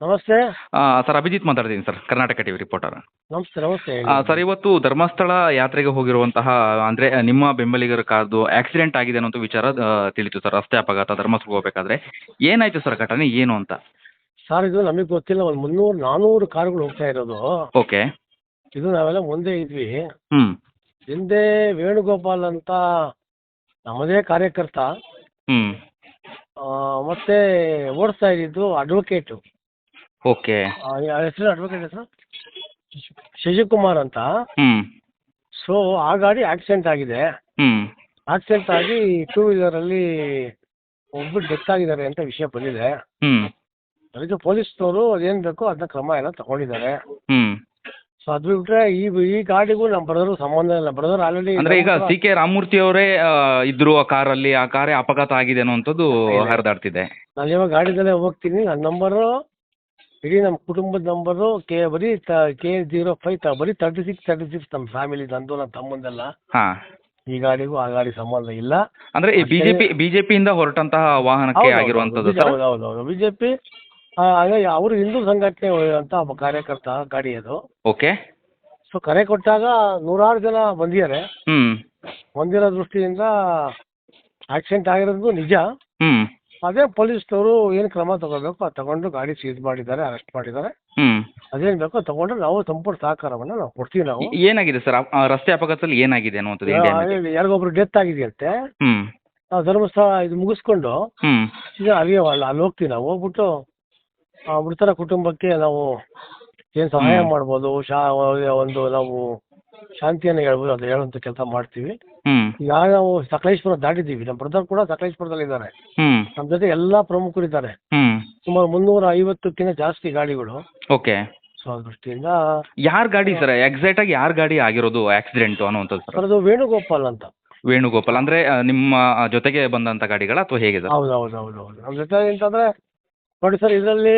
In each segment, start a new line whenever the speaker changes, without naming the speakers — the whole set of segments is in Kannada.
ನಮಸ್ತೆ.
ಸರ್ ಅಭಿಜಿತ್ ಮಾತಾಡ್ತೀನಿ ಸರ್, ಕರ್ನಾಟಕ ಟಿವಿ ರಿಪೋರ್ಟರ್.
ನಮಸ್ತೆ ನಮಸ್ತೆ ಹೇಳಿ.
ಸರ್ ಇವತ್ತು ಧರ್ಮಸ್ಥಳ ಯಾತ್ರೆಗೆ ಹೋಗಿರುವಂತಹ ಅಂದರೆ ನಿಮ್ಮ ಬೆಂಬಲಿಗರ ಕಾರ್ದು ಆಕ್ಸಿಡೆಂಟ್ ಆಗಿದೆ ಅನ್ನೋ ವಿಚಾರ ತಿಳಿತು ಸರ್. ರಸ್ತೆ ಅಪಘಾತ ಧರ್ಮಸ್ಥಳಕ್ಕೆ ಹೋಗಬೇಕಾದ್ರೆ ಏನಾಯ್ತು ಸರ್ ಘಟನೆ ಏನು ಅಂತ?
ಸರ್ ಇದು ನಮಗೆ ಗೊತ್ತಿಲ್ಲ, ಒಂದು 300-400 ಕಾರುಗಳು ಹೋಗ್ತಾ ಇರೋದು.
ಓಕೆ.
ಇದು ನಾವೆಲ್ಲ ಮುಂದೆ ಇದ್ವಿ.
ಹ್ಞೂ
ಹಿಂದೆ ವೇಣುಗೋಪಾಲ್ ಅಂತ ನಮ್ಮದೇ ಕಾರ್ಯಕರ್ತ,
ಹ್ಞೂ
ಮತ್ತೆ ಓಡಿಸ್ತಾ ಇದ್ದಿದ್ದು ಅಡ್ವೊಕೇಟು.
ಓಕೆ.
ಹೆಸರು ಅಡ್ವೊಕೇಟ್ ಹೆಸರು ಶಶಿಕುಮಾರ್ ಅಂತ.
ಹ್ಞೂ
ಸೊ ಆ ಗಾಡಿ ಆಕ್ಸಿಡೆಂಟ್ ಆಗಿದೆ.
ಹ್ಞೂ
ಆಕ್ಸಿಡೆಂಟ್ ಆಗಿ 2 ವೀಲರಲ್ಲಿ ಒಬ್ಬರು ಡೆತ್ ಆಗಿದ್ದಾರೆ ಅಂತ ವಿಷಯ ಬಂದಿದೆ.
ಹ್ಞೂ
ಅದಕ್ಕೆ ಪೊಲೀಸ್ನವರು ಅದೇನು ಬೇಕೋ ಅದನ್ನ ಕ್ರಮ ಎಲ್ಲ ತಗೊಂಡಿದ್ದಾರೆ.
ಹ್ಞೂ
ಸೊ ಅದು ಬಿಟ್ರೆ ಈ ಗಾಡಿಗೂ ನಮ್ಮ ಬ್ರದರು ಸಂಬಂಧ ಇಲ್ಲ. ಬ್ರದರ್ ಆಲ್ರೆಡಿ
ಅಂದ್ರೆ ಈಗ ಸಿ ಕೆ ರಾಮಮೂರ್ತಿ ಅವರೇ ಇದ್ರು ಆ ಕಾರಲ್ಲಿ, ಆ ಕಾರೇ ಅಪಘಾತ ಆಗಿದೆ ಅನ್ನುವಂಥದ್ದು ಹರಿದಾಡ್ತಿದೆ.
ನಾನು ಇವಾಗ ಗಾಡಿದಲ್ಲೇ ಹೋಗ್ತೀನಿ. ನನ್ನ ನಂಬರು ಇಡೀ ನಮ್ಮ ಕುಟುಂಬದ ನಂಬರು ಬರೀ K05 ಬರೀ 36 ನಮ್ಮ ಫ್ಯಾಮಿಲಿ, ನಂದು ನನ್ನ ತಮ್ಮಂದೆಲ್ಲ.
ಹಾ,
ಈ ಗಾಡಿಗೂ ಆ ಗಾಡಿ ಸಂಬಂಧ ಇಲ್ಲ.
ಅಂದ್ರೆ ಈ ಬಿಜೆಪಿಯಿಂದ ಹೊರಟಂತಹ ವಾಹನಕ್ಕೆ ಆಗಿರುವಂತದ್ದು ಸರ್?
ಹೌದೌದು, ಬಿಜೆಪಿ ಅವರು ಹಿಂದೂ ಸಂಘಟನೆ ಅಂತ ಒಬ್ಬ ಕಾರ್ಯಕರ್ತ ಗಾಡಿ ಅದು.
ಓಕೆ.
ಸೊ ಕರೆ ಕೊಟ್ಟಾಗ 100 ಜನ ಬಂದಿದ್ದಾರೆ. ಬಂದಿರೋ ದೃಷ್ಟಿಯಿಂದ ಆಕ್ಸಿಡೆಂಟ್ ಆಗಿರೋದು ನಿಜ. ಅದೇ ಪೊಲೀಸ್ನವರು ಏನು ಕ್ರಮ ತಗೋಬೇಕು ಅದು ತಗೊಂಡು ಗಾಡಿ ಸೀಸ್ ಮಾಡಿದ್ದಾರೆ, ಅರೆಸ್ಟ್ ಮಾಡಿದ್ದಾರೆ. ಅದೇನು ಬೇಕೋ ತಗೊಂಡು ನಾವು ಸಂಪೂರ್ಣ ಸಹಕಾರವನ್ನು ನಾವು ಕೊಡ್ತೀವಿ. ನಾವು
ಏನಾಗಿದೆ ಸರ್ ರಸ್ತೆ ಅಪಘಾತದಲ್ಲಿ ಏನಾಗಿದೆ ಅನ್ನುವಂಥದ್ದು?
ಯಾರಿಗೊಬ್ರು ಡೆತ್ ಆಗಿದೆಯಂತೆ. ನಾವು ಧರ್ಮಸ್ಥಳ ಇದು ಮುಗಿಸ್ಕೊಂಡು ಅಲ್ಲಿ ಹೋಗ್ತೀವಿ. ನಾವು ಹೋಗ್ಬಿಟ್ಟು ಮೃತರ ಕುಟುಂಬಕ್ಕೆ ನಾವು ಏನು ಸಹಾಯ ಮಾಡ್ಬೋದು, ಒಂದು ನಾವು ಶಾಂತಿಯನ್ನು ಹೇಳ್ಬೋದು, ಅದು ಹೇಳುವಂಥ ಕೆಲಸ ಮಾಡ್ತೀವಿ. ಈಗ ನಾವು ಸಕಲೇಶ್ಪುರ ದಾಟಿದ್ದೀವಿ. ನಮ್ಮ ಬ್ರದರ್ ಕೂಡ ಸಕಲೇಶ್ಪುರದಲ್ಲಿ ಇದ್ದಾರೆ. ನಮ್ಮ ಜೊತೆ ಎಲ್ಲಾ ಪ್ರಮುಖರು ಇದ್ದಾರೆ. ಸುಮಾರು 350ಕ್ಕಿಂತ ಜಾಸ್ತಿ ಗಾಡಿಗಳು.
ಓಕೆ.
ಸೊ ಆ ದೃಷ್ಟಿಯಿಂದ
ಯಾರ ಗಾಡಿ ಸರ್ ಎಕ್ಸಾಕ್ಟ್ ಆಗಿ ಯಾರ ಗಾಡಿ ಆಗಿರೋದು ಆಕ್ಸಿಡೆಂಟ್ ಅನ್ನುವಂಥದ್ದು ಸರ್?
ಅದು ವೇಣುಗೋಪಾಲ್ ಅಂತ.
ವೇಣುಗೋಪಾಲ್ ಅಂದ್ರೆ ನಿಮ್ಮ ಜೊತೆಗೆ ಬಂದಂತ ಗಾಡಿಗಳ ಅಥವಾ ಹೇಗೆ ಸರ್?
ಹೌದು. ನಮ್ಮ ಜೊತೆ ಅಂತಂದ್ರೆ ನೋಡಿ ಸರ್, ಇದರಲ್ಲಿ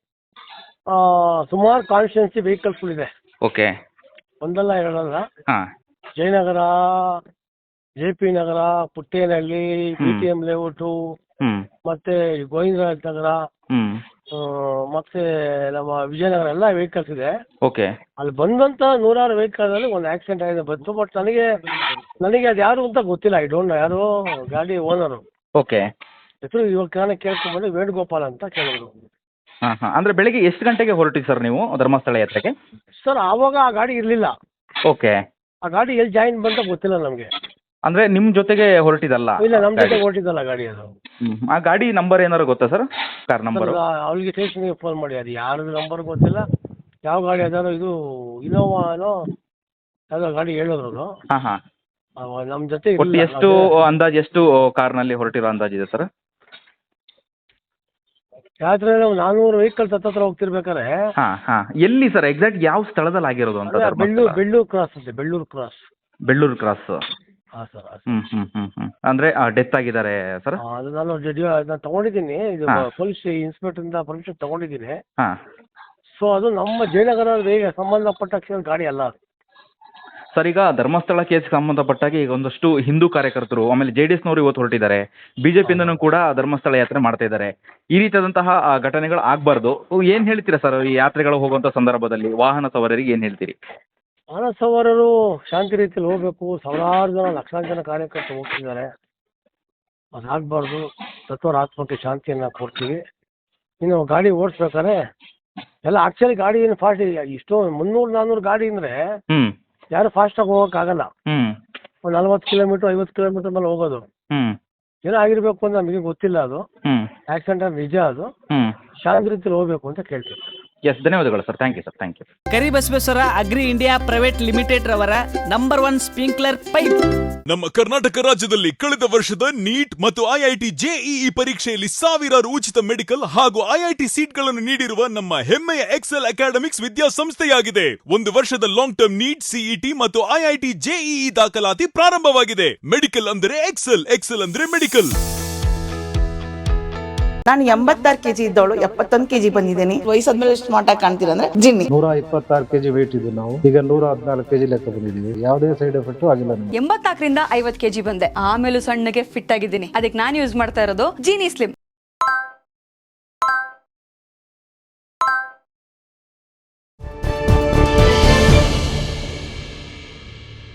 ಸುಮಾರು ಕಾನ್ಸ್ಟಿಟ್ಯೂನ್ಸಿ ವೆಹಿಕಲ್ಸ್ಗಳಿದೆ.
ಓಕೆ.
ಒಂದಲ್ಲ ಎರಡಲ್ಲ.
ಹಾಂ.
Jayanagar, JP Nagar, Puttenahalli, BTM layout, ಮತ್ತೆ ಗೋವಿಂದರಾಜ್ ನಗರ, ಮತ್ತೆ ನಮ್ಮ ವಿಜಯನಗರ ಎಲ್ಲ ವೆಹಿಕಲ್ಸ್ ಇದೆ.
ಓಕೆ. ಅಲ್ಲಿ
ಬಂದಂತ 100 ವೆಹಿಕಲ್ ಅಲ್ಲಿ ಒಂದು ಆಕ್ಸಿಡೆಂಟ್ ಆಗಿದೆ ಬಂತು. ಬಟ್ ನನಗೆ ಅದು ಯಾರು ಅಂತ ಗೊತ್ತಿಲ್ಲ. ಐ ಡೋಂಟ್ ನೋ ಯಾರು ಗಾಡಿ ಓನರು.
ಓಕೆ.
ಹೆಸರು ಇವಾಗ ಕೇಳ್ಕೊಂಡ್ಬಂದು ವೇಣುಗೋಪಾಲ್ ಅಂತ ಕೇಳಿದ್ರು.
ಅಂದ್ರೆ ಬೆಳಿಗ್ಗೆ ಎಷ್ಟು ಗಂಟೆಗೆ ಹೊರಟಿ ಸರ್ ನೀವು ಧರ್ಮಸ್ಥಳ ಯಾತ್ರೆಗೆ?
ಸರ್ ಆವಾಗ ಆ ಗಾಡಿ ಇರಲಿಲ್ಲ.
ಓಕೆ.
ಆ ಗಾಡಿ ಎಲ್ಲಿ ಜಾಯಿನ್ ಬಂತ ಗೊತ್ತಿಲ್ಲ ನಮಗೆ.
ಅಂದ್ರೆ ನಿಮ್ ಜೊತೆಗೆ ಹೊರಟಿದಲ್ಲ?
ಇಲ್ಲ, ನಮ್ಮ ಜೊತೆ ಹೊರಟಿದ್ದಲ್ಲ ಗಾಡಿ ಅದು.
ಆ ಗಾಡಿ ನಂಬರ್ ಏನಾರು ಗೊತ್ತಾ ಸರ್? Car number?
ಅವಳಿಗೆ ಸ್ಟೇಷನ್ಗೆ ಫೋನ್ ಮಾಡಿ, ಅದು ಯಾರು ನಂಬರ್ ಗೊತ್ತಿಲ್ಲ. ಯಾವ ಗಾಡಿ ಅದಾರೋ, ಇದು ಇನೋವಾನೋ ಯಾವುದೋ ಗಾಡಿ ಹೇಳಿದ್ರು. ನಮ್ಮ ಜೊತೆ
ಎಷ್ಟು ಅಂದಾಜು ಎಷ್ಟು ಕಾರ್ನಲ್ಲಿ ಹೊರಟಿರೋ ಅಂದಾಜಿದೆ ಸರ್?
ಯಾತ್ರೆ 400 ವೆಹಿಕಲ್ಸ್ ಹತ್ರ ಹೋಗ್ತಿರ್ಬೇಕಾರೆ.
ಎಲ್ಲಿ ಸರ್ ಎಕ್ಸಾಕ್ಟ್ ಯಾವ ಸ್ಥಳದಲ್ಲಿ ಆಗಿರೋದು ಅಂತ?
ಬೆಳ್ಳೂರು ಕ್ರಾಸ್ ಅಂತೆ. ಬೆಳ್ಳೂರು ಕ್ರಾಸ್. ಹಾಂ ಸರ್.
ಅಂದ್ರೆ ಡೆತ್ ಆಗಿದ್ದಾರೆ ಸರ್?
ಅದು ನಾನು ತಗೊಂಡಿದ್ದೀನಿ. ಇದು ಪೊಲೀಸ್ ಇನ್ಸ್ಪೆಕ್ಟರ್ ಪರ್ಮಿಷನ್ ತಗೊಂಡಿದ್ದೀನಿ. ಸೊ ಅದು ನಮ್ಮ ಜಯನಗರ ಸಂಬಂಧಪಟ್ಟ ಗಾಡಿ ಅಲ್ಲ ಅದು.
ಸರ್ ಈಗ ಧರ್ಮಸ್ಥಳ ಕೇಸ್ಗೆ ಸಂಬಂಧಪಟ್ಟಾಗ ಈಗ ಒಂದಷ್ಟು ಹಿಂದೂ ಕಾರ್ಯಕರ್ತರು ಆಮೇಲೆ JDS ನವರು ಇವತ್ತು ಹೊರಟಿದ್ದಾರೆ. ಬಿಜೆಪಿಯಿಂದನೂ ಕೂಡ ಧರ್ಮಸ್ಥಳ ಯಾತ್ರೆ ಮಾಡ್ತಾ ಇದ್ದಾರೆ. ಈ ರೀತಿಯಾದಂತಹ ಘಟನೆಗಳು ಆಗಬಾರ್ದು. ಏನು ಹೇಳ್ತೀರಾ ಸರ್ ಈ ಯಾತ್ರೆಗಳು ಹೋಗುವಂಥ ಸಂದರ್ಭದಲ್ಲಿ ವಾಹನ ಸವಾರರಿಗೆ ಏನು ಹೇಳ್ತೀರಿ?
ವಾಹನ ಸವಾರರು ಶಾಂತಿ ರೀತಿಯಲ್ಲಿ ಹೋಗ್ಬೇಕು. ಸಾವಿರಾರು ಜನ, ಲಕ್ಷಾಂತರ ಜನ ಕಾರ್ಯಕರ್ತರು ಹೋಗ್ತಿದ್ದಾರೆ. ಅದಾಗಬಾರ್ದು. ತತ್ವರ ಆತ್ಮಕ್ಕೆ ಶಾಂತಿಯನ್ನು ಕೊಡ್ತೀವಿ. ಇನ್ನು ಗಾಡಿ ಓಡಿಸ್ಬೇಕಾದ್ರೆ ಎಲ್ಲ ಆಕ್ಚುಲಿ ಗಾಡಿ ಏನು ಫಾಸ್ಟ್ ಇಲ್ಲ. ಇಷ್ಟೋ 300-400 ಗಾಡಿ ಅಂದರೆ ಯಾರು ಫಾಸ್ಟಾಗಿ ಹೋಗೋಕ್ಕಾಗಲ್ಲ. ಒಂದು 40 ಕಿಲೋಮೀಟ್ರ್ 50 ಕಿಲೋಮೀಟ್ರ್ ಮೇಲೆ ಹೋಗೋದು. ಏನೋ ಆಗಿರ್ಬೇಕು ಅಂತ ನಮಗೆ ಗೊತ್ತಿಲ್ಲ. ಅದು ಆಕ್ಸಿಡೆಂಟ್ ನಿಜ. ಅದು ಶಾಂತಿ ರೀತಿಯಲ್ಲಿ ಹೋಗ್ಬೇಕು ಅಂತ ಕೇಳ್ತೀವಿ.
ಎಸ್, ಧನ್ಯವಾದಗಳು sir. Thank you sir. Thank you.
Karibasaveshwara agri India private limited ರವರ ನಂಬರ್ 1 ಸ್ಪ್ರಿಂಕ್ಲರ್ ಪೈಪ್.
ನಮ್ಮ ಕರ್ನಾಟಕ ರಾಜ್ಯದಲ್ಲಿ ಕಳೆದ ವರ್ಷದ ನೀಟ್ ಮತ್ತು IIT JEE ಪರೀಕ್ಷೆಯಲ್ಲಿ ಸಾವಿರಾರು ಉಚಿತ ಮೆಡಿಕಲ್ ಹಾಗೂ IIT ಸೀಟ್ಗಳನ್ನು ನೀಡಿರುವ ನಮ್ಮ ಹೆಮ್ಮೆಯ ಎಕ್ಸೆಲ್ ಅಕಾಡೆಮಿಕ್ಸ್ ವಿದ್ಯಾಸಂಸ್ಥೆಯಾಗಿದೆ. 1 ವರ್ಷದ ಲಾಂಗ್ ಟರ್ಮ್ ನೀಟ್, CET ಮತ್ತು IIT JEE ದಾಖಲಾತಿ ಪ್ರಾರಂಭವಾಗಿದೆ. ಮೆಡಿಕಲ್ ಅಂದರೆ ಎಕ್ಸೆಲ್, ಎಕ್ಸೆಲ್ ಅಂದ್ರೆ ಮೆಡಿಕಲ್.
ನಾನು 86 kg ಇದ್ದವಳು 71 kg ಬಂದಿದ್ದೀನಿ. ವಯಸ್ಸಾದ್ಮೇಲೆ ಸ್ಮಾರ್ಟ್ ಆಗಿ ಕಾಣ್ತೀರಾ ಅಂದ್ರೆ ಜಿನ್ನಿ.
126 kg ವೇಟ್ ಇದ್ದು ನಾವು ಈಗ 114 kg ಲೆಕ್ಕ ಬಂದಿದ್ದೀವಿ. ಯಾವುದೇ ಸೈಡ್ ಎಫೆಕ್ಟ್ ಆಗಿಲ್ಲ.
84ರಿಂದ 50 kg ಬಂದೆ. ಆಮೇಲೆ ಸಣ್ಣಗೆ ಫಿಟ್ ಆಗಿದ್ದೀನಿ. ಅದಕ್ಕೆ ನಾನು ಯೂಸ್ ಮಾಡ್ತಾ ಇರೋದು ಜೀನಿ ಸ್ಲಿಮ್.